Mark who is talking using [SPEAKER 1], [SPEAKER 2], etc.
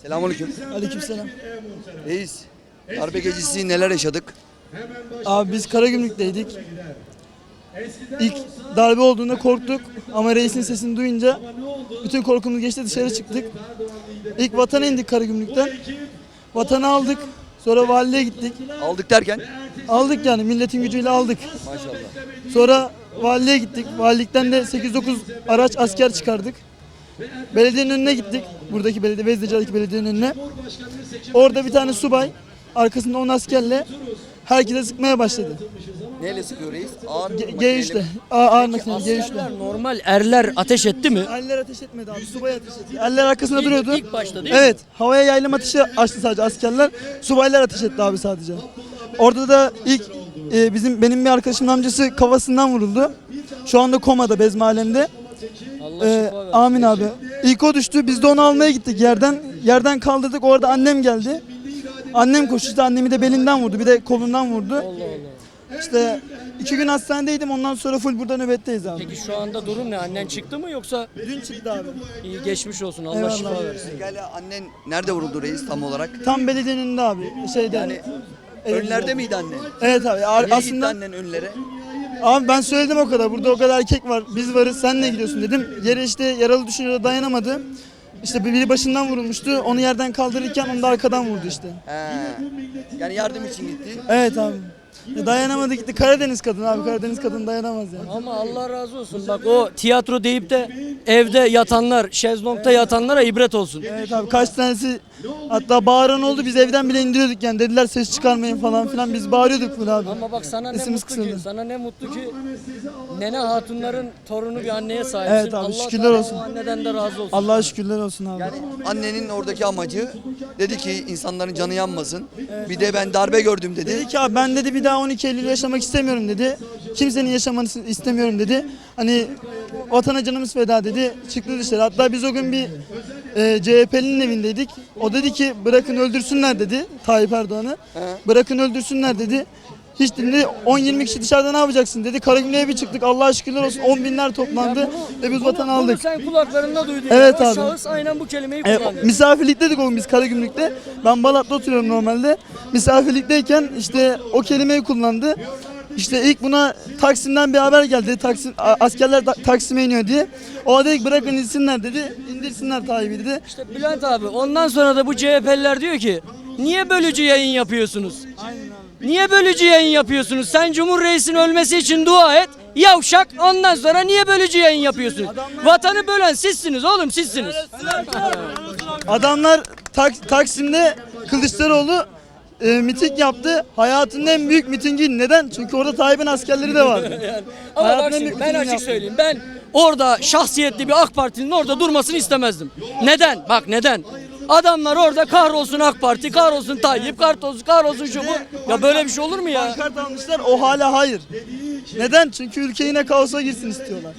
[SPEAKER 1] Selamünaleyküm.
[SPEAKER 2] Aleykümselam.
[SPEAKER 1] Reis, darbe gecesi neler yaşadık?
[SPEAKER 2] Abi biz Karagümrük'teydik. İlk darbe olduğunda korktuk ama reisin sesini duyunca bütün korkumuz geçti, dışarı çıktık. İlk vatana indik Karagümrük'ten. Vatanı aldık. Sonra valiliğe gittik.
[SPEAKER 1] Aldık derken?
[SPEAKER 2] Aldık yani milletin gücüyle aldık.
[SPEAKER 1] Maşallah.
[SPEAKER 2] Sonra valiliğe gittik. Valilikten de 8-9 araç asker çıkardık. Belediyenin önüne gittik. Buradaki belediye, Vezdeci'deki belediyenin önüne. Orada bir tane subay arkasında 10 askerle herkese sıkmaya başladı.
[SPEAKER 1] Neyle sıkıyor reis? Ağır
[SPEAKER 2] G3'le. Ağır makineli G3'le.
[SPEAKER 3] Askerler normal erler ateş etti mi?
[SPEAKER 2] Eller ateş etmedi abi. Subay ateş etti. Eller arkasında duruyordu.
[SPEAKER 3] İlk başta değil mi?
[SPEAKER 2] Evet. Havaya yaylım ateşi açtı sadece askerler. Subaylar ateş etti abi sadece. Orada da ilk benim bir arkadaşımın amcası kafasından vuruldu. Şu anda komada Bezmi alemde.
[SPEAKER 3] Allah şifa versin.
[SPEAKER 2] Amin abi. İlk o düştü. Biz de onu almaya gittik yerden. Yerden kaldırdık. Orada annem geldi. Annem koştu. Annemi de belinden vurdu. Bir de kolundan vurdu.
[SPEAKER 3] Allah Allah.
[SPEAKER 2] İşte 2 gün hastanedeydim. Ondan sonra full burada nöbetteyiz abi.
[SPEAKER 3] Peki şu anda durum ne? Annen çıktı mı yoksa?
[SPEAKER 2] Dün çıktı abi.
[SPEAKER 3] İyi geçmiş olsun. Allah
[SPEAKER 2] Eyvallah.
[SPEAKER 3] şifa versin.
[SPEAKER 1] Pekala annen nerede vuruldu reis tam olarak?
[SPEAKER 2] Tam belediyenin önünde abi. Şeyde.
[SPEAKER 1] Yani önlerde miydi annen?
[SPEAKER 2] Evet abi.
[SPEAKER 1] Niye gitti
[SPEAKER 2] Aslında
[SPEAKER 1] annen önlere?
[SPEAKER 2] abi ben söyledim o kadar. Burada o kadar erkek var. Biz varız. Sen ne gidiyorsun dedim. Yere işte yaralı düşünce dayanamadı. İşte biri başından vurulmuştu. Onu yerden kaldırırken onu da arkadan vurdu işte.
[SPEAKER 1] He. Yani yardım için gitti.
[SPEAKER 2] Evet abi. Dayanamadı gitti. Karadeniz kadını abi. Karadeniz kadını dayanamaz yani.
[SPEAKER 3] Ama Allah razı olsun. Bak o tiyatro deyip de evde yatanlar, şezlongda yatanlara ibret olsun.
[SPEAKER 2] Evet abi kaç tanesi hatta bağıran oldu. Biz evden bile indiriyorduk yani. Dediler ses çıkarmayın falan filan. Biz bağırıyorduk bunu abi.
[SPEAKER 3] Ama bak sana ne
[SPEAKER 2] Sesimiz
[SPEAKER 3] mutlu ki,
[SPEAKER 2] kısıldı.
[SPEAKER 3] sana ne mutlu ki nene hatunların torunu bir anneye sahipsin.
[SPEAKER 2] Evet abi,
[SPEAKER 3] Allah
[SPEAKER 2] şükürler
[SPEAKER 3] Teala
[SPEAKER 2] olsun.
[SPEAKER 3] o anneden de razı olsun.
[SPEAKER 2] Allah'a şükürler olsun abi.
[SPEAKER 1] Yani annenin oradaki amacı dedi ki insanların canı yanmasın. Bir de ben darbe gördüm dedi.
[SPEAKER 2] Dedi ki abi ben dedi bir daha 12 Eylül yaşamak istemiyorum dedi. Kimsenin yaşamasını istemiyorum dedi. Hani vatana canımız feda dedi. Çıktı dışarı. Hatta biz o gün bir CHP'linin evindeydik. O dedi ki bırakın öldürsünler dedi Tayyip Erdoğan'ı. Bırakın öldürsünler dedi. Hiç dedi 10-20 kişi dışarıda ne yapacaksın dedi. Karagümrük'e bir çıktık. Allah'a şükürler olsun 10 binler toplandı ve biz vatanı
[SPEAKER 3] Bunu
[SPEAKER 2] aldık.
[SPEAKER 3] sen kulaklarında duydun.
[SPEAKER 2] Evet
[SPEAKER 3] ya. O
[SPEAKER 2] abi.
[SPEAKER 3] şahıs aynen bu kelimeyi kullandı.
[SPEAKER 2] Misafirlikteydik o gün biz Karagümrük'te. Ben Balat'ta oturuyorum normalde. Misafirlikteyken işte o kelimeyi kullandı. İşte ilk buna Taksim'den bir haber geldi. Askerler Taksim'e iniyor diye. O dedi ki bırakın insinler dedi. İndirsinler Tayyip'i dedi.
[SPEAKER 3] İşte Bülent abi ondan sonra da bu CHP'liler diyor ki niye bölücü yayın yapıyorsunuz? Niye bölücü yayın yapıyorsunuz? Sen Cumhur Reis'in ölmesi için dua et. Yavşak ondan sonra niye bölücü yayın yapıyorsunuz? Vatanı bölen sizsiniz oğlum sizsiniz.
[SPEAKER 2] Adamlar Taksim'de Kılıçdaroğlu miting yaptı. Hayatının en büyük mitingi. Neden? Çünkü orada Tayyip'in askerleri de vardı.
[SPEAKER 3] Ama bak
[SPEAKER 2] Hayatının en
[SPEAKER 3] şimdi
[SPEAKER 2] büyük
[SPEAKER 3] ben
[SPEAKER 2] mitingini
[SPEAKER 3] açık
[SPEAKER 2] yaptı.
[SPEAKER 3] söyleyeyim. Ben orada şahsiyetli bir AK Parti'nin orada durmasını istemezdim. Neden? Bak neden? Adamlar orada kahrolsun AK Parti, kahrolsun Tayyip, kahrolsun şu bu. Ya böyle bir şey olur mu ya?
[SPEAKER 2] Pankart almışlar. O hala hayır. Neden? Çünkü ülke yine kaosa girsin istiyorlar.